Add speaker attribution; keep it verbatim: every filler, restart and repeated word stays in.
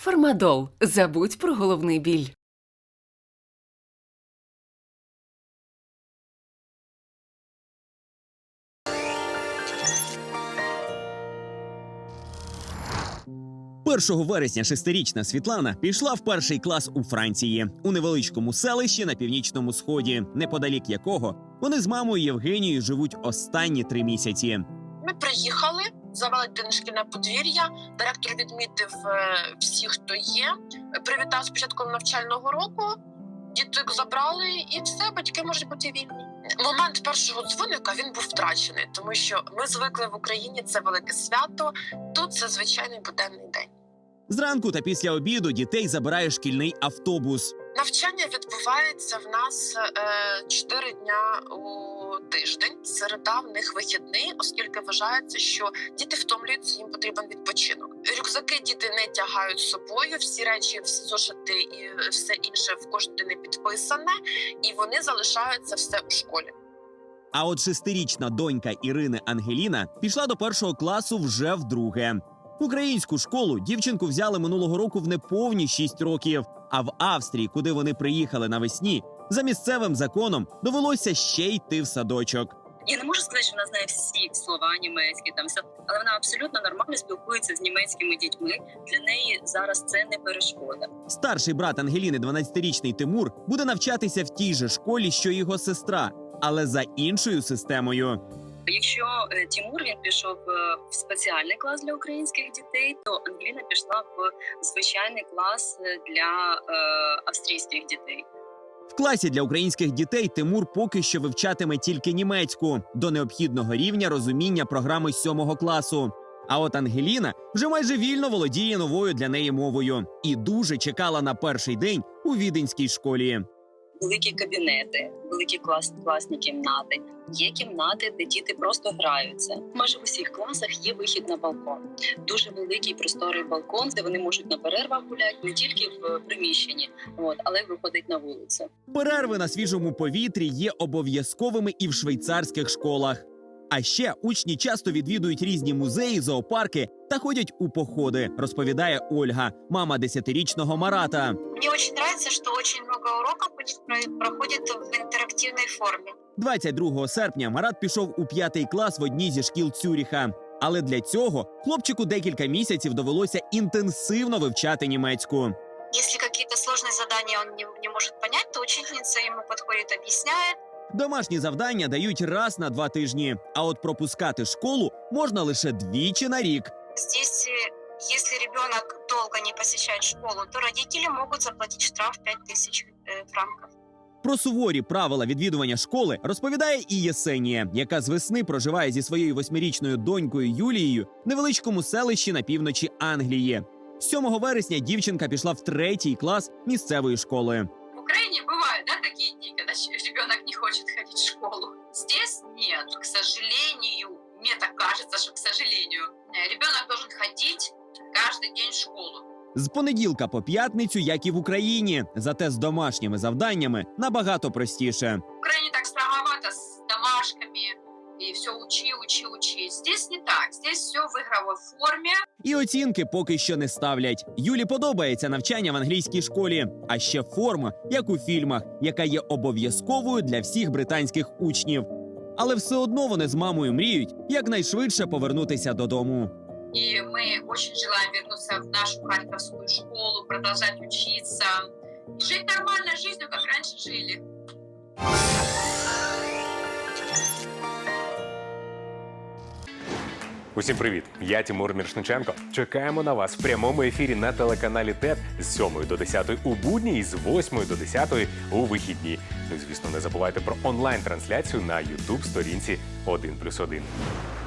Speaker 1: Фармадол. Забудь про головний біль.
Speaker 2: першого вересня шестирічна Світлана пішла в перший клас у Франції, у невеличкому селищі на північному сході, неподалік якого вони з мамою Євгенією живуть останні три місяці.
Speaker 3: Ми приїхали, завели дитину шкільне подвір'я, директор відмітив е, всіх, хто є, привітав з початком навчального року, діток забрали і все, батьки можуть бути вільні. Момент першого дзвоника, він був втрачений, тому що ми звикли в Україні, це велике свято, тут це звичайний буденний день.
Speaker 2: Зранку та після обіду дітей забирає шкільний автобус.
Speaker 3: Навчання відбувається в нас е, чотири дня у тиждень. Середа в них вихідний, оскільки вважається, що діти втомлюються, їм потрібен відпочинок. Рюкзаки діти не тягають з собою, всі речі, всі зошити і все інше в кожної дитини підписане, і вони залишаються все у школі.
Speaker 2: А от шестирічна донька Ірини Ангеліна пішла до першого класу вже вдруге. Українську школу дівчинку взяли минулого року в неповні шість років. А в Австрії, куди вони приїхали навесні, за місцевим законом довелося ще йти в садочок.
Speaker 4: Я не можу сказати, що вона знає всі слова німецькі, там все, але вона абсолютно нормально спілкується з німецькими дітьми. Для неї зараз це не перешкода.
Speaker 2: Старший брат Ангеліни, дванадцятирічний Тимур, буде навчатися в тій же школі, що й його сестра, але за іншою системою.
Speaker 4: Якщо е, Тимур він пішов е, в спеціальний клас для українських дітей, то Ангеліна пішла в звичайний клас для е, австрійських дітей.
Speaker 2: В класі для українських дітей Тимур поки що вивчатиме тільки німецьку до необхідного рівня розуміння програми сьомого класу. А от Ангеліна вже майже вільно володіє новою для неї мовою і дуже чекала на перший день у віденській школі.
Speaker 4: Великі кабінети, великі клас, класні кімнати. Є кімнати, де діти просто граються. Майже в усіх класах є вихід на балкон. Дуже великий просторий балкон, де вони можуть на перервах гуляти, не тільки в приміщенні, от, але й виходить на вулицю.
Speaker 2: Перерви на свіжому повітрі є обов'язковими і в швейцарських школах. А ще учні часто відвідують різні музеї, зоопарки та ходять у походи, розповідає Ольга, мама десятирічного Марата.
Speaker 5: Мне очень нравится, что очень много уроков у них проходит в интерактивной форме.
Speaker 2: двадцять другого серпня Марат пішов у п'ятий клас в одній зі шкіл Цюріха. Але для цього хлопчику декілька місяців довелося інтенсивно вивчати німецьку.
Speaker 5: Если какие-то сложные задания он не, не может понять, то учительница ему подходит, объясняет.
Speaker 2: Домашні завдання дають раз на два тижні, а от пропускати школу можна лише двічі на рік.
Speaker 5: Здесь, э, если ребенок долго не посещает школу, то родители могут заплатить штраф пять тысяч э, франков.
Speaker 2: Про суворі правила відвідування школи розповідає і Єсенія, яка з весни проживає зі своєю восьмирічною донькою Юлією в невеличкому селищі на півночі Англії. сьомого вересня дівчинка пішла в третій клас місцевої школи.
Speaker 6: В Украине бывают, да, такие дни, когда ребенок не хочет ходить в школу. Здесь нет, к сожалению, мне так кажется, что, к сожалению, ребенок должен ходить каждый день в школу.
Speaker 2: З понеділка по п'ятницю, як і в Україні, зате з домашніми завданнями набагато простіше.
Speaker 6: В Украине так строговато с домашками, и все учи, учи, учи. Здесь не так, здесь все в игровой форме.
Speaker 2: І оцінки поки що не ставлять. Юлі подобається навчання в англійській школі, а ще форма, як у фільмах, яка є обов'язковою для всіх британських учнів. Але все одно вони з мамою мріють якнайшвидше повернутися додому.
Speaker 6: И мы очень желаем вернуться в нашу харьковскую школу, продолжать учиться, и жить нормальной жизнью, как раньше жили.
Speaker 7: Усім привіт! Я Тимур Міршниченко. Чекаємо на вас в прямому ефірі на телеканалі ТЕТ з сьомої до десятої у будні і з восьмої до десятої у вихідні. Ну і, звісно, не забувайте про онлайн-трансляцію на ютуб-сторінці один плюс один.